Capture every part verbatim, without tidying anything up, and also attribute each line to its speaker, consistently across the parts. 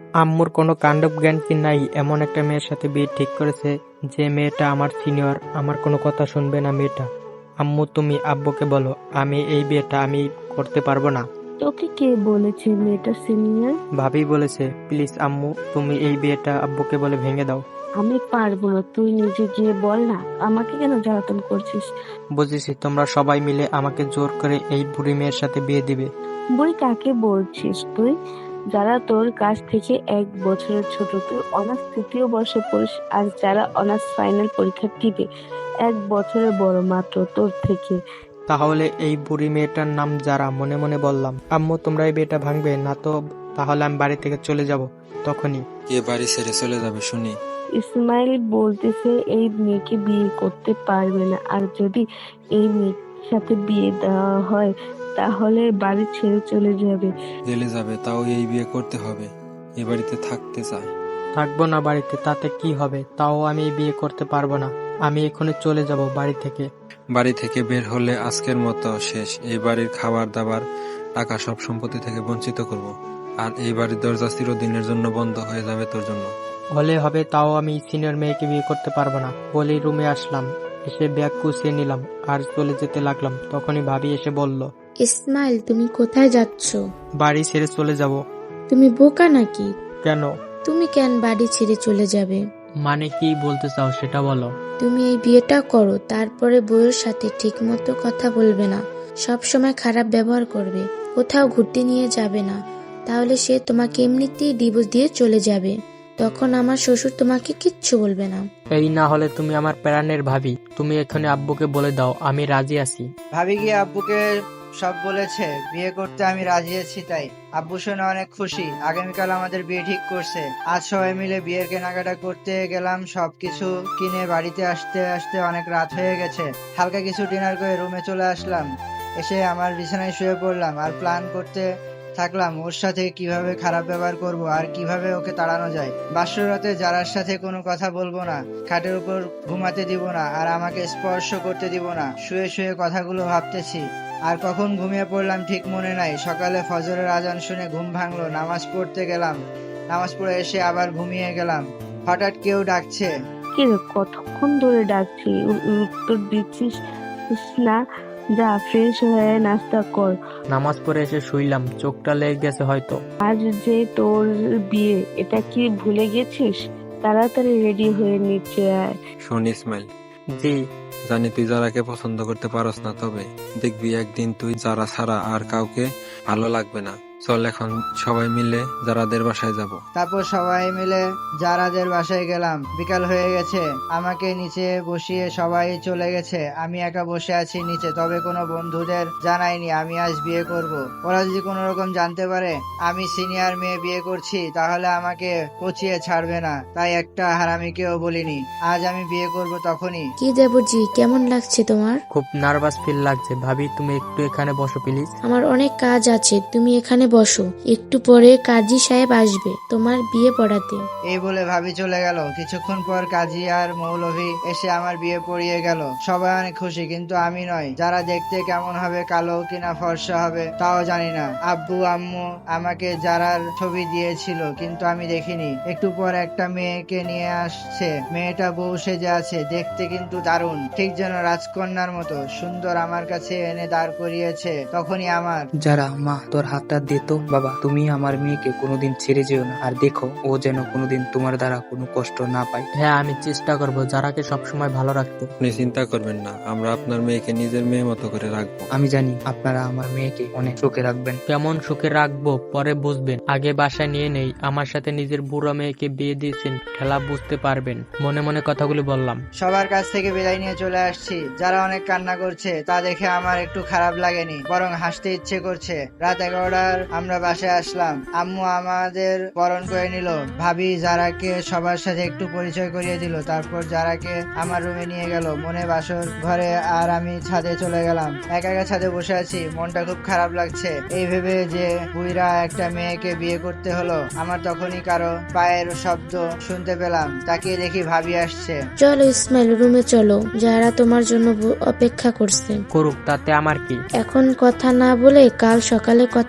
Speaker 1: আম্মুর কোনো কাণ্ডজ্ঞান কি নাই? এমন একটা মেয়ের সাথে বিয়ে ঠিক করেছে যে মেয়েটা আমার সিনিয়র, আমার কোনো কথা শুনবে না মেয়েটা। আম্মু তুমি আব্বুকে বলো আমি এই বিয়েটা আমি করতে পারবো না।
Speaker 2: তোকে কে বলেছে মেয়েটা সিনিয়র?
Speaker 1: ভাবি বলেছে। প্লিজ আম্মু তুমি এই বিয়েটা আব্বুকে বলে ভেঙে দাও।
Speaker 2: আমি পারবো না, তুই নিজে গিয়ে বল না। আমাকে কেন জ্বালাতন করছিস?
Speaker 1: বুঝেছি তোমরা সবাই মিলে আমাকে জোর করে এই বুড়ি মেয়ের সাথে বিয়ে দিবে।
Speaker 2: বুড়ি কাকে বলছিস তুই? যারা তোর কাছ থেকে এক বছরের ছোট, তুই অনার্স তৃতীয় বর্ষে পড়িস, আর যারা অনার্স ফাইনাল পরীক্ষা দিবে এক বছরের বড় মাত্র তোর থেকে।
Speaker 1: তাহলে এই বুড়ি মেয়েটার নাম যারা, মনে মনে বললাম। আম্মু তোমরা এই বিয়েটা ভাঙবে না তো তাহলে আমি বাড়ি থেকে চলে যাব। তখনই
Speaker 3: কে বাড়ি ছেড়ে চলে যাবে শুনি?
Speaker 2: ইসমাইল বলতেছে এই মেয়েকে বিয়ে করতে পারবে না, আর যদি এই মেয়ের সাথে বিয়ে দেওয়া হয় তাহলে বাড়ি ছেড়ে চলে যাবে।
Speaker 3: জেলে যাবে, তাও এই বিয়ে করতে হবে। এ বাড়িতে থাকতে চায়।
Speaker 1: থাকবো না বাড়িতে, তাতে কি হবে? তাও আমি এই বিয়ে করতে পারবো না। আমি এখনই চলে যাব বাড়ি থেকে।
Speaker 3: বাড়ি থেকে বের হলে আজকের মতো শেষ। এই বাড়ির খাবার দাবার, টাকা, সব সম্পত্তি থেকে বঞ্চিত করব। আর এই বাড়ির দরজা চিরদিনের জন্য বন্ধ হয়ে যাবে তোর জন্য।
Speaker 1: হলে হবে, তাও আমি সিনিয়র মেয়েকে বিয়ে করতে পারবো না। বলেই রুমে আসলাম, এসে ব্যাগ গুছিয়ে নিলাম আর চলে যেতে লাগলাম। তখনই ভাবি এসে বলল,
Speaker 4: ইসমাইল তুমি কোথায় যাচ্ছ?
Speaker 1: বাড়ি ছেড়ে চলে যাব।
Speaker 4: তুমি বোকা নাকি?
Speaker 1: কেন?
Speaker 4: তুমি কেন বাড়ি ছেড়ে চলে যাবে?
Speaker 1: মানে কি বলতে চাও সেটা বলো।
Speaker 4: তুমি এই বিয়েটা করো, তারপরে বউয়ের সাথে ঠিক মতো কথা বলবে না, সব সময় খারাপ ব্যবহার করবে, কোথাও ঘুরতে নিয়ে যাবে না, তাহলে সে তোমাকে এমনিতেই ডিভোর্স দিয়ে চলে যাবে। তখন আমার শ্বশুর তোমাকে কিচ্ছু বলবে না।
Speaker 1: এই না হলে তুমি আমার প্রাণের ভাবি, তুমি এখানে আব্বুকে বলে দাও আমি রাজি আছি।
Speaker 5: ভাবি গিয়ে আব্বুকে সব বলেছে, বিয়ে করতে আমি রাজি আছি। তাই আব্বু শুনে অনেক খুশি। আগামীকাল আমাদের বিয়ে ঠিক করছে। আজ সবাই মিলে বিয়ের কেনাকাটা করতে গেলাম। সবকিছু কিনে বাড়িতে আসতে আসতে অনেক রাত হয়ে গেছে। হালকা কিছু ডিনার করে রুমে চলে আসলাম। এসে আমার বিছানায় শুয়ে পড়লাম আর প্ল্যান করতে থাকলাম ওর সাথে কিভাবে খারাপ ব্যবহার করব আর কিভাবে ওকে তাড়ানো যায়। বাসরাতে যারার সাথে কোনো কথা বলবো না, খাটের উপর ঘুমাতে দিব না, আর আমাকে স্পর্শ করতে দিব না। শুয়ে শুয়ে কথাগুলো ভাবতেছি আর কখন ঘুমিয়ে পড়লাম ঠিক মনে নাই। সকালে ফজরের আজান শুনে ঘুম ভাঙলো, নামাজ পড়তে গেলাম। নামাজ পড়ে এসে আবার ঘুমিয়ে গেলাম। হঠাৎ কেউ ডাকছে।
Speaker 2: কি রে, কতক্ষণ ধরে ডাকছি, উ- উত্তর দিচ্ছিস না? যা ফ্রেশ হয়ে নাস্তা কর।
Speaker 1: নামাজ পড়ে এসে শুইলাম, চোখটা লেগে গেছে হয়তো।
Speaker 2: আজ যে তোর বিয়ে, এটা কি ভুলে গেছিস? তাড়াতাড়ি রেডি হয়ে নিচে আয়।
Speaker 3: শোন ইসমাইল,
Speaker 1: জি।
Speaker 3: জানি তুই যারাকে পছন্দ করতে পারস না, তবে দেখবি একদিন তুই যারা ছাড়া আর কাউকে ভালো লাগবে না। চল এখন সবাই মিলে যারাদের বাসায় যাব।
Speaker 5: তারপর সবাই মিলে যারাদের বাসায় গেলাম। বিকাল হয়ে গেছে, আমাকে নিচে বসিয়ে সবাই চলে গেছে। আমি একা বসে আছি নিচে। তবে কোনো বন্ধুদের জানাইনি আমি আজ বিয়ে করব। ওরা যদি কোনো রকম জানতে পারে আমি সিনিয়র মেয়ে বিয়ে করছি তাহলে আমাকে পচিয়ে ছাড়বে না। তাই একটা হারামিকেও বলিনি। আজ আমি বিয়ে করব তখনই।
Speaker 4: কি দেবজি, কেমন লাগছে তোমার?
Speaker 1: খুব নার্ভাস ফিল লাগছে। ভাবি তুমি একটু এখানে বসো প্লিজ।
Speaker 4: আমার অনেক কাজ আছে, তুমি এখানে বসো। একটু পরে কাজী সাহেব আসবে তোমার বিয়ে পড়াতে।
Speaker 5: এই বলে ভাবি চলে গেল। কিছুক্ষণ পর কাজী আর মৌলভী এসে আমার বিয়ে পড়িয়ে গেল। সবাই অনেক খুশি, কিন্তু আমি নয়। যারা দেখতে কেমন হবে, কালো কিনা ফর্সা হবে তাও জানি না। আব্বু আম্মু আমাকে যারার ছবি দিয়েছিল, কিন্তু আমি দেখিনি। একটু পর একটা মেয়েকে নিয়ে আসছে। মেয়েটা বউ সেজে আছে, দেখতে কিন্তু দারুণ, ঠিক যেন রাজকন্যার মতো সুন্দর। আমার কাছে এনে দাঁড় করিয়েছে। তখনই আমার
Speaker 6: যারা, মা তোর হাতটা দে তো। বাবা তুমি আমার মেয়েকে কোনোদিন ছেড়ে যেও না, আর দেখো ও যেন কোনোদিন তোমার দ্বারা কোনো কষ্ট না পায়।
Speaker 1: হ্যাঁ আমি চেষ্টা করবো যারাকে সবসময় ভালো রাখতে।
Speaker 3: আপনি চিন্তা করবেন না, আমরা আপনার মেয়েকে নিজের মেয়ে মতো করে রাখবো।
Speaker 6: আমি জানি আপনারা আমার মেয়েকে অনেক সুখে রাখবেন।
Speaker 1: কেমন সুখে রাখবো পরে বুঝবেন, আগে বাসায় নিয়ে নেই। আমার সাথে নিজের বুড়ো মেয়েকে বিয়ে দিয়েছেন, খেলা বুঝতে পারবেন। মনে মনে কথাগুলো বললাম।
Speaker 5: সবার কাছ থেকে বিদায় নিয়ে চলে আসছি। যারা অনেক কান্না করছে তা দেখে আমার একটু খারাপ লাগেনি, বরং হাসতে ইচ্ছে করছে। রাত এগারোটার আমরা বাসায় আসলাম। আম্মু আমাদের বরণ করে নিল। ভাবি যারাকে সবার সাথে একটু পরিচয় করিয়ে দিল। তারপর যারাকে আমার রুমে নিয়ে গেল। মনে বাসর ঘরে আর আমি ছাদে চলে গেলাম। একা একা ছাদে বসে আছি, মনটা খুব খারাপ লাগছে। এই ভেবে যে বুইরা একটা মেয়েকে বিয়ে করতে হলো। আমার তখনই কারো পায়ের শব্দ শুনতে পেলাম। তাকিয়ে দেখি ভাবি আসছে।
Speaker 4: চলো ইসমাইল, রুমে চলো, যারা তোমার জন্য ব- অপেক্ষা করছে।
Speaker 1: করুক, তাতে আমার কি।
Speaker 4: এখন কথা না বলে কাল সকালে কথা বলবো।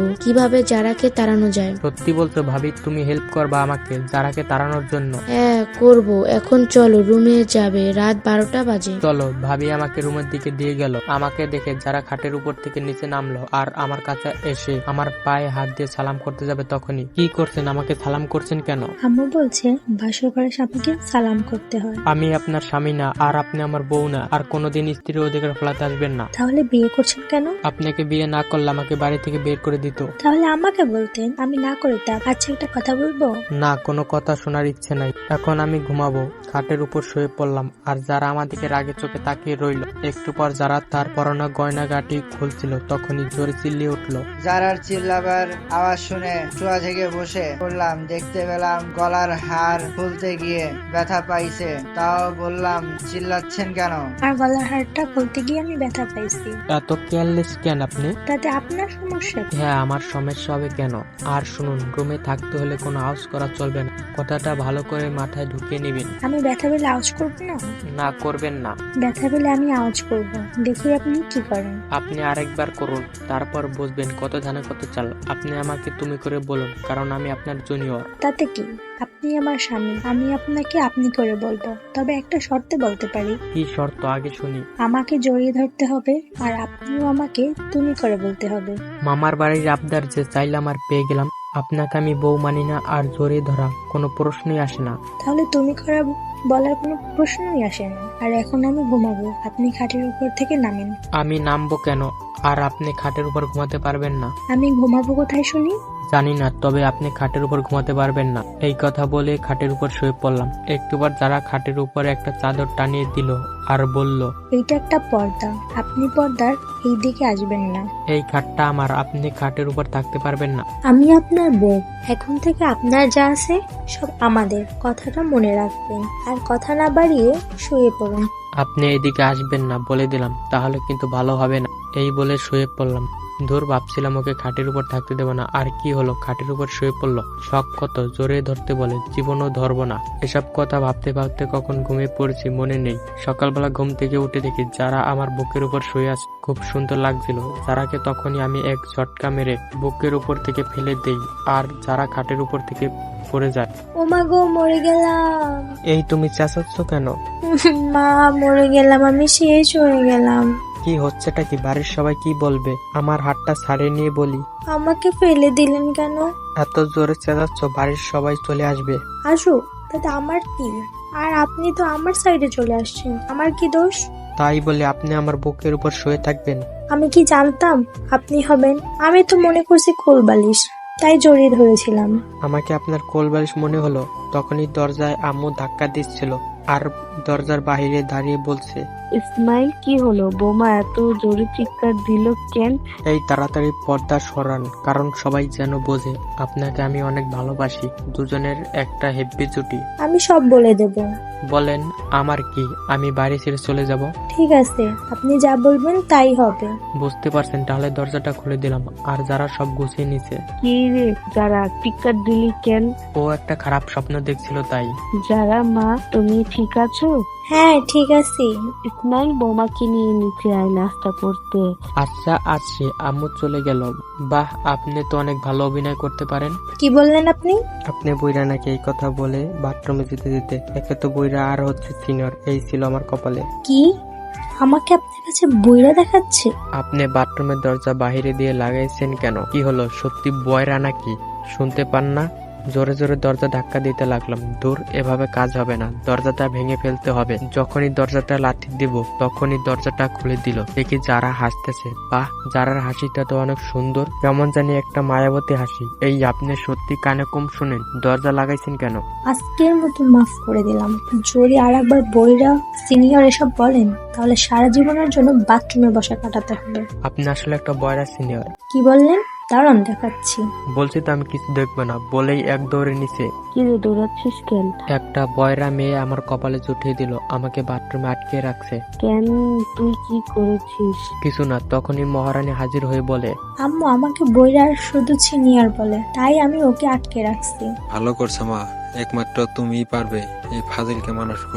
Speaker 4: কিভাবে জারাকে তাড়ানো যায়।
Speaker 1: সত্যি বলছো ভাবি, তুমি হেল্প করবা আমাকে যারাকে তাড়ানোর জন্য?
Speaker 4: হ্যাঁ করব, এখন চলো রুমে যাবে, রাত বারোটা বাজে।
Speaker 1: চলো। ভাবি আমাকে রুমের দিকে দিয়ে গেল। আমাকে দেখে যারা খাটের উপর থেকে নিচে নামলো আর আমার কাছে এসে আমার পায়ে হাত দিয়ে সালাম করতে যাবে তখনই, কি করছেন? আমাকে সালাম করছেন কেন?
Speaker 7: আম্মু বলছে বাসর ঘরের স্বামীকে সালাম করতে হয়।
Speaker 1: আমি আপনার স্বামী না, আর আপনি আমার বউ না, আর কোনোদিন স্ত্রীর অধিকার ফলাতে আসবেন না।
Speaker 7: তাহলে বিয়ে করছেন কেন?
Speaker 1: আপনাকে বিয়ে না করলে আমাকে বাড়ি থেকে বের করে দিত।
Speaker 7: তাহলে আমাকে বলতেন, আমি না করতাম। আচ্ছা একটা কথা বলবো?
Speaker 1: না, কোনো কথা শোনার ইচ্ছে নাই। এখন আমি ঘুমাবো। খাটের উপর শুয়ে পড়লাম আর যারা আমার দিকে রাগে চোখে তাকিয়ে রইল। একটু পর যারা তার পরনা গয়না গাটি খুলছিল তখনই জোরে চিল্লিয়ে উঠলো।
Speaker 5: যারার চিল্লাবার আওয়াজ শুনে চুয়া থেকে বসে পড়লাম, দেখতে পেলাম গলার হার খুলতে গিয়ে ব্যথা পাইছে। তাও বললাম, চিল্লাচ্ছেন কেন?
Speaker 7: আর গলার হারটা খুলতে গিয়ে আমি ব্যথা পাইছি।
Speaker 1: এত কেয়ারলেস কেন আপনি?
Speaker 7: তাতে আপনার সমস্যা কি?
Speaker 1: হ্যাঁ, আমার সমস্যা হবে কেন? আর শুনুন, রুমে থাকতে হলে কোনো আওয়াজ করা চলবে না। কথাটা ভালো করে মাথায় ঢুকিয়ে নিবেন।
Speaker 7: আমি ব্যথা পেলে আওয়াজ করবো না?
Speaker 1: না, করবেন না।
Speaker 7: ব্যথা পেলে আমি আওয়াজ করব, দেখি আপনি কি করেন।
Speaker 1: আপনি আরেকবার করুন, তারপর বুঝবেন কত ধানে কত চাল। আপনি আমাকে তুমি করে বলুন, কারণ আমি আপনার জুনিয়র।
Speaker 7: তাতে কি, আপনি আমার স্বামী, আমি আপনাকে আপনি করে বলবো। তবে একটা শর্তে বলতে পারি।
Speaker 1: কি শর্ত আগে শুনি।
Speaker 7: আমাকে জড়িয়ে ধরতে হবে আর আপনিও আমাকে তুমি করে বলতে হবে।
Speaker 1: মামার বাড়ির আবদার যে চাইলাম আর পেয়ে গেলাম। আপনাকে আমি বউ মানি না, আর জোরে ধরা কোনো প্রশ্নই আসে না।
Speaker 7: তাহলে তুমি করে বলার কোনো প্রশ্নই আসে না। আর এখন আমি ঘুমাবো, আপনি খাটের উপর থেকে নামেন।
Speaker 1: আমি নামবো কেন? আর আপনি খাটের উপর ঘুমাতে পারবেন না।
Speaker 7: আমি ঘুমাবো কোথায় শুনি?
Speaker 1: জানি না, তবে আপনি খাটের উপর ঘুমাতে পারবেন না। এই কথা বলে খাটের উপর শুয়ে পড়লাম। একটুবার যারা খাটের উপর একটা চাদর টানিয়ে দিল আর বলল,
Speaker 7: এইটা একটা পর্দা, আপনি পর্দার এই দিকে আসবেন না।
Speaker 1: এই খাটটা আমার, আপনি খাটের উপর থাকতে পারবেন না।
Speaker 7: আমি আপনার বউ, এখন থেকে আপনার যা আছে সব আমাদের, কথাটা মনে রাখবেন। আর কথা না বাড়িয়ে শুয়ে পড়ুন।
Speaker 1: আপনি এদিকে আসবেন না বলে দিলাম, তাহলে কিন্তু ভালো হবে না। এই বলে শুয়ে পড়লাম। ধুর, ভাবছিলাম ওকে খাটের উপর থাকতে দেবো না, আর কি হলো, খাটের উপর শুয়ে পড়লো। শখ কত, জোরে ধরতে বলে, জীবনও ধরবো না। এসব কথা ভাবতে ভাবতে কখন ঘুমিয়ে পড়েছি মনে নেই। সকালবেলা ঘুম থেকে উঠে দেখি যারা আমার বুকের উপর শুয়ে আছে। খুব সুন্দর লাগছিল যারাকে। তখনই আমি এক ঝটকা মেরে বুকের উপর থেকে ফেলে দেই আর যারা খাটের উপর থেকে পড়ে যায়।
Speaker 7: ও মা গো, মরে গেলাম।
Speaker 1: এই তুমি চেঁচাচ্ছ কেন?
Speaker 7: মা, মরে গেলাম, আমি শেষ হয়ে গেলাম।
Speaker 1: কি হচ্ছেটা কি? বাড়ির সবাই কি বলবে? আমার হাতটা ছাড়িয়ে নিয়ে বলি,
Speaker 7: আমাকে ফেলে দিলেন কেন?
Speaker 1: এত জোরে চেঁচাচ্ছ, বাড়ির সবাই চলে আসবে।
Speaker 7: আসুক, তাতে আমার কি? আর আপনি তো আমার সাইডে চলে আসছেন, আমার কি দোষ?
Speaker 1: তাই বলে আপনি আমার বুকের উপর শুয়ে থাকবেন?
Speaker 7: আমি কি জানতাম আপনি হবেন? আমি তো মনে করছি কোলবালিশ, তাই জড়িয়ে ধরেছিলাম।
Speaker 1: আমাকে আপনার কোলবালিশ মনে হলো। তখনই দরজায় আম্মু ধাক্কা দিচ্ছিল আর দরজার বাইরে দাঁড়িয়ে বলছে,
Speaker 2: ইসমাইল, কি হলো? বোমা এত জোরে চিৎকার দিল কেন?
Speaker 1: এই তাড়াতাড়ি পর্দা সরান, কারণ সবাই যেন বোঝে আপনাকে আমি অনেক ভালোবাসি। দুজনের একটা হেব্বি জুটি।
Speaker 7: আমি সব বলে দেব।
Speaker 1: বলেন, আমার কি? আমি বাড়ি ছেড়ে চলে যাব?
Speaker 7: ঠিক আছে, আপনি যা বলবেন তাই হবে।
Speaker 1: বুঝতে পারছেন, তাহলে দরজাটা খুলে দিলাম। আর যারা সব গুছিয়ে নিছে।
Speaker 2: কি রে যারা, চিৎকার দিলি কেন?
Speaker 1: ও একটা খারাপ স্বপ্ন দেখছিল তাই।
Speaker 2: যারা মা, তুমি ঠিক আছো?
Speaker 7: হ্যাঁ ঠিক আছে।
Speaker 2: ইসমাইল, বোমাকে নিয়ে নিচে আয় নাস্তা করতে।
Speaker 1: আচ্ছা আসছি। আম্মু চলে গেল। বাহ, আপনি তো অনেক ভালো অভিনয় করতে পারেন।
Speaker 7: কি বললেন আপনি?
Speaker 1: আপনি বইরা নাকি? এই কথা বলে বাথরুমে যেতে যেতে, একে তো বইরা আর হচ্ছে সিনিয়র, এই ছিল আমার কপালে।
Speaker 7: কি, আমাকে আপনার কাছে বইরা দেখাচ্ছে?
Speaker 1: আপনি বাথরুমের দরজা বাহিরে দিয়ে লাগাইছেন কেন? কি হলো, সত্যি বয়রা নাকি? শুনতে পান না? জোরে জোরে দরজা ধাক্কা দিতে লাগলাম। দূর, এভাবে কাজ হবে না, দরজাটা ভেঙে ফেলতে হবে। যখনই দরজাটা লাথি দিব তখনই দরজাটা খুলে দিল। দেখি যারা হাসতেছে। বাহ, যারার হাসিটা তো অনেক সুন্দর, কেমন জানি একটা মায়াবতী হাসি। এই আপনি সত্যি কানে কম শুনেন? দরজা লাগাইছেন কেন?
Speaker 7: আজকের মতো মাফ করে দিলাম। যদি আর একবার বইরা সিনিয়র এসব বলেন তাহলে সারা জীবনের জন্য বাথরুমে বসা কাটাতে হবে।
Speaker 1: আপনি আসলে একটা বয়রা সিনিয়র।
Speaker 7: কি বললেন? দাঁড়ান দেখাচ্ছি।
Speaker 1: বলছি তো আমি কিছু দেখবো না, বলেই এক দৌড়ে নিচে।
Speaker 2: কি রে, দৌড়াচ্ছিস কেন?
Speaker 1: একটা বয়রা মেয়ে আমার কপালে জুটিয়ে দিল, আমাকে বাথরুমে আটকে রাখছে।
Speaker 2: কেন, তুই কি করেছিস?
Speaker 1: কিছু না। তখনই মহারানী হাজির হয়ে বলে,
Speaker 7: আম্মু আমাকে বইরার শুধু সিনিয়র বলে, তাই আমি ওকে আটকে রাখছি।
Speaker 3: ভালো করছো মা, একমাত্র তুমিই পারবে এই ফাজিলকে মানুষ করতে।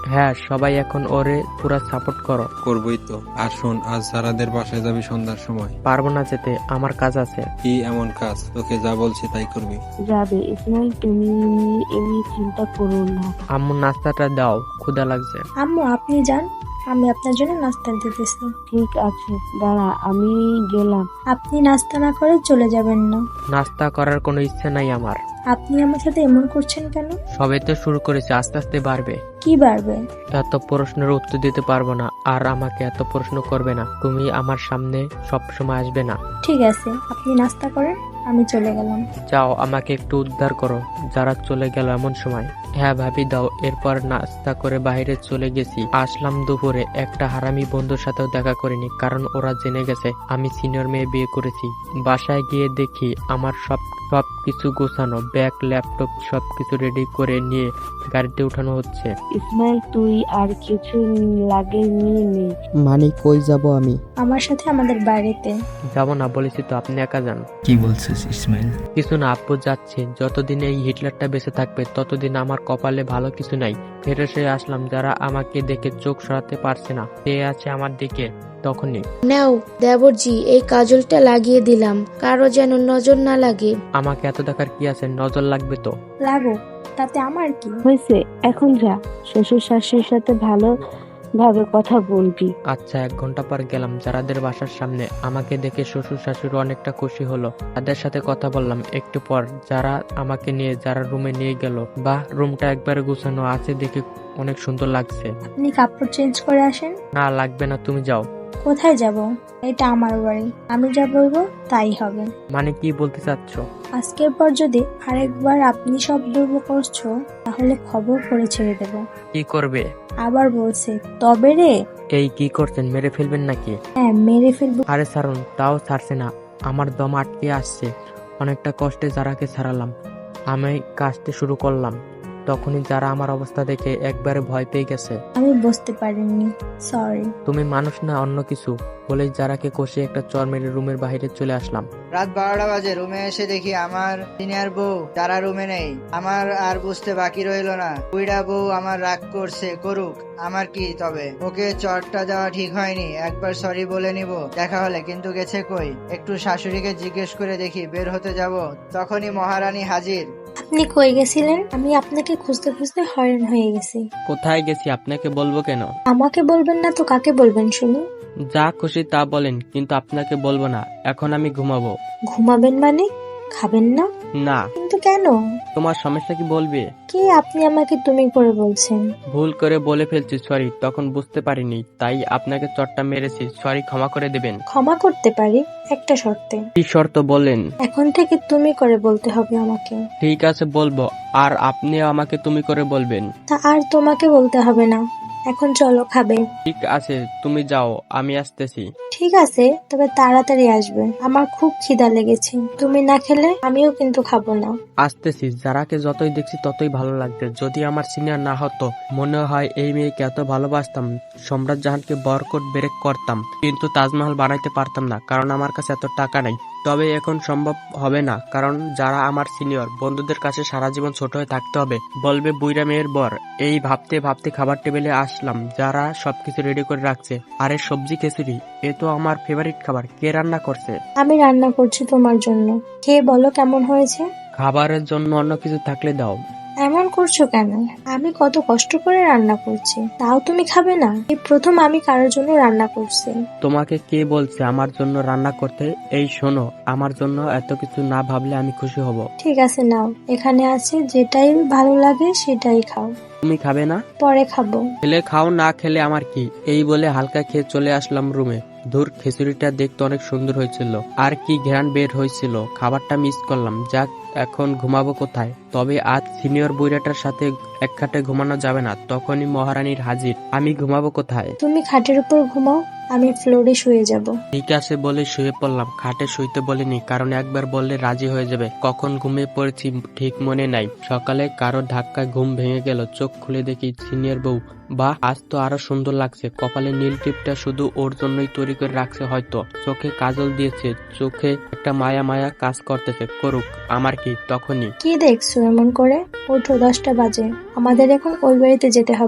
Speaker 1: হ্যাঁ, সবাই এখন ওরে পুরা সাপোর্ট করো।
Speaker 3: করবই তো। আর শোন, আজ সারাদের বাসায় যাবি সন্ধ্যার সময়।
Speaker 1: পারবো না যেতে, আমার কাজ আছে।
Speaker 3: কি এমন কাজ? তোকে যা বলছি তাই করবি।
Speaker 2: যাবে ইসমাইল, তুমি এমনি চিন্তা করো না।
Speaker 1: আম্মু নাস্তাটা দাও, ক্ষুধা লাগছে।
Speaker 7: আম্মু আপনি যান, আমি আপনার জন্য নাস্তা দিতেছি।
Speaker 2: ঠিক আছে, দাঁড়া আমি গেলাম।
Speaker 7: আপনি নাস্তা না করে চলে যাবেন না।
Speaker 1: নাস্তা করার কোনো ইচ্ছে নাই আমার।
Speaker 7: আপনি আমার সাথে এমন করছেন কেন?
Speaker 1: সবে তো শুরু করেছে, আস্তে আস্তে বাড়বে।
Speaker 7: কি বাড়বে?
Speaker 1: এত প্রশ্নের উত্তর দিতে পারবো না, আর আমাকে এত প্রশ্ন করবে না। তুমি আমার সামনে সব সময় আসবে না।
Speaker 7: ঠিক আছে, আপনি নাস্তা করেন, আমি চলে গেলাম।
Speaker 1: যাও, আমাকে একটু উদ্ধার করো যারা চলে গেল এমন সময়। হ্যাঁ ভাবি দাও। এরপর নাস্তা করে বাইরে চলে গেছি। আসলাম দুপুরে। একটা হারামি বন্ধুর সাথেও দেখা করিনি, কারণ ওরা জেনে গেছে আমি সিনিয়র মেয়ে বিয়ে করেছি। বাসায় গিয়ে দেখি আমার সব সব কিছু গোছানো, ব্যাগ, ল্যাপটপ সবকিছু রেডি করে নিয়ে গাড়িতে উঠানো হচ্ছে।
Speaker 2: ইসমাইল, তুই আর কিছু লাগে নিয়ে নে।
Speaker 1: মানে কই যাব আমি?
Speaker 7: আমার সাথে আমাদের বাড়িতে।
Speaker 1: যাব না বলেছি তো, আপনি একা যান।
Speaker 8: কি বলছিস ইসমাইল?
Speaker 1: কিছু না আব্বু, যাচ্ছে। যতদিন এই হিটলারটা বেঁচে থাকবে ততদিন আমার কপালে ভালো কিছু নাই। ফেরত এসে আসলাম, যারা আমাকে দেখে চোখ সরাতে পারছে না, সে আছে আমার দিকে। তখনই
Speaker 4: নাও দেবরজি, এই কাজলটা লাগিয়ে দিলাম, কারো যেন নজর না লাগে।
Speaker 1: আমাকে এত দেখার কি আছে? নজর লাগবে তো।
Speaker 7: লাগো, তাতে আমার কি?
Speaker 2: হয়েছে, এখন যা, শ্বশুর শাশুড়ির সাথে ভালো ভাবে কথা বলবি।
Speaker 1: আচ্ছা, এক ঘন্টা পর গেলাম যারাদের বাসার সামনে। আমাকে দেখে শ্বশুর শাশুড়ি অনেকটা খুশি হলো। তাদের সাথে কথা বললাম। একটু পর যারা আমাকে নিয়ে যারা রুমে নিয়ে গেল। বাহ, রুমটা একবারে গুছানো আছে, দেখে অনেক সুন্দর লাগছে।
Speaker 7: আপনি কাপড় চেঞ্জ করে আসেন।
Speaker 1: না লাগবে না, তুমি যাও।
Speaker 7: কোথায় যাব? এটা আমার বাড়ি, আমি যা বলবো তাই হবে।
Speaker 1: মানে কি বলতে চাচ্ছ?
Speaker 7: আজকের পর যদি আরেকবার আপনি সব দুর্ব করছো, তাহলে খবর করে ছেড়ে দেব।
Speaker 1: কি করবে?
Speaker 7: আবার বলছে তবে রে।
Speaker 1: এই কি করছেন? মেরে ফেলবেন নাকি?
Speaker 7: হ্যাঁ, মেরে ফেলবো।
Speaker 1: আরে ছাড়ুন। তাও ছাড়ছে না, আমার দম আটকে আসছে। অনেকটা কষ্টে যারাকে ছাড়ালাম। আমি কাজতে শুরু করলাম। তখনই যারা আমার অবস্থা দেখে একবারে ভয় পেয়ে গেছে।
Speaker 7: আমি বুঝতে পারিনি, সরি।
Speaker 1: তুমি মানুষ না অন্য কিছু বলেই যারাকে কষে একটা চর মেরে রুমের বাইরে চলে আসলাম।
Speaker 5: রাত বারোটা বাজে। রুমে এসে দেখি আমার সিনিয়র বউ তারা রুমে নেই। আমার আর বুঝতে বাকি রইলো না, বুইড়া বউ আমার রাগ করছে, করুক, আমার কি তবে। ওকে চটটা দেওয়া ঠিক হয়নি, একবার সরি বলে নিব দেখা হলে। কিন্তু গেছে কই? একটু শাশুড়িকে জিজ্ঞেস করে দেখি। বের হতে যাব, তখনই মহারানী হাজির।
Speaker 7: আপনি কই গেছিলেন? আমি আপনাকে খুঁজতে খুঁজতে হয়রান হয়ে গেছি।
Speaker 1: কোথায় গেছি আপনাকে বলবো কেন?
Speaker 7: আমাকে বলবেন না তো কাকে বলবেন শুনি?
Speaker 1: যা খুশি তা বলেন, কিন্তু আপনাকে বলবো না। এখন আমি ঘুমাবো।
Speaker 7: ঘুমাবেন মানে? খাবেন না?
Speaker 1: না।
Speaker 7: কিন্তু কেন?
Speaker 1: তোমার সমস্যা কি বলবে?
Speaker 7: কে আপনি আমাকে তুমি করে বলছেন?
Speaker 1: ভুল করে বলে ফেলছি, সরি। তখন বুঝতে পারিনি, তাই আপনাকে চটটা মেরেছি। সরি, ক্ষমা করে দেবেন।
Speaker 7: ক্ষমা করতে পারি একটা শর্তে।
Speaker 1: কি শর্ত বলেন?
Speaker 7: এখন থেকে তুমি করে বলতে হবে আমাকে।
Speaker 1: ঠিক আছে, বলবো। আর আপনিও আমাকে তুমি করে বলবেন।
Speaker 7: তা আর তোমাকে বলতে হবে না। এখন চলো, খাবে?
Speaker 1: ঠিক আছে, তুমি যাও, আমি আসতেছি।
Speaker 7: ঠিক আছে, তবে তাড়াতাড়ি আসবে, আমার খুব খিদা লেগেছে। তুমি না খেলে আমিও কিন্তু খাবো না।
Speaker 1: আসতেছি। যারাকে যতই দেখছি ততই ভালো লাগছে। যদি আমার সিনিয়র না হতো, মনে হয় এই মেয়েকে এত ভালোবাসতাম। সম্রাট জাহানকে বরকট ব্রেক করতাম, কিন্তু তাজমহল বানাইতে পারতাম না, কারণ আমার কাছে এত টাকা নাই। তবে এখন সম্ভব হবে না, কারণ যারা আমার সিনিয়র, বন্ধুদের কাছে সারা জীবন ছোট হয়ে থাকতে হবে। বলবে বুইরা মেয়ের বর। এই ভাবতে ভাবতে খাবার টেবিলে আসলাম। যারা সবকিছু রেডি করে রাখছে। আরে সবজি খিচুড়ি, এ তো আমার ফেভারিট খাবার। কে রান্না করছে?
Speaker 7: আমি রান্না করছি তোমার জন্য, খেয়ে বলো কেমন হয়েছে।
Speaker 1: খাবারের জন্য অন্য কিছু থাকলে দাও।
Speaker 7: এমন করছো কেন? আমি কত কষ্ট করে রান্না করছি, তাও তুমি খাবে না? এই প্রথম আমি কারোর জন্য রান্না করছি।
Speaker 1: তোমাকে কে বলছে আমার জন্য রান্না করতে? এই শোনো, আমার জন্য এত কিছু না ভাবলে আমি খুশি হব।
Speaker 7: ঠিক আছে, নাও, এখানে আছে, যেটাই ভালো লাগে সেটাই খাও।
Speaker 1: তুমি খাবে না?
Speaker 7: পরে খাবো।
Speaker 1: খেলে খাও, না খেলে আমার কি। এই বলে হালকা খেয়ে চলে আসলাম রুমে। ধুর, খিচুড়িটা দেখতে অনেক সুন্দর হয়েছিল, আর কি ঘ্রাণ বের হয়েছিল। খাবারটা মিস করলাম। যাক, এখন ঘুমাবো কোথায়? তবে আজ সিনিয়র বুইড়াটার সাথে এক খাটে ঘুমানো যাবে না। তখনই মহারানীর হাজির। আমি ঘুমাবো কোথায়?
Speaker 7: তুমি খাটের উপর ঘুমাও, আমি ফ্লোরে শুয়ে যাব।
Speaker 1: ঠিক আছে বলে শুয়ে পড়লাম। খাটে শুইতে বলিনি, কারণ একবার বললে রাজি হয়ে যাবে। কখন ঘুমিয়ে পড়েছি ঠিক মনে নাই। সকালে কারো ধাক্কায় ঘুম ভেঙে গেল। চোখ খুলে দেখি সিনিয়র বউ। বাহ, আজ তো আরো সুন্দর লাগছে। কপালে নীল টিপটা শুধু ওর জন্যই তৈরি করে রাখছে হয়তো। চোখে কাজল দিয়েছে, চোখে একটা মায়া মায়া কাজ করতেছে, করুক, আমার কি। তখনই
Speaker 7: কি দেখছো এমন করে? ওঠো, দশটা বাজে, আমাদের এখন ওই বাড়িতে যেতে হবে।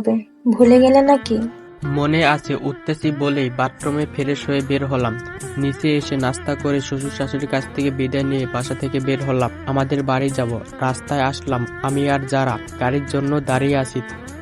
Speaker 7: ভুলে গেলে নাকি?
Speaker 1: মনে আছে, উঠতেছি বলেই বাথরুমে ফ্রেশ হয়ে বের হলাম। নিচে এসে নাস্তা করে শ্বশুর শাশুড়ির কাছ থেকে বিদায় নিয়ে বাসা থেকে বের হলাম। আমাদের বাড়ি যাব। রাস্তায় আসলাম আমি আর যারা গাড়ির জন্য দাঁড়িয়ে আছি।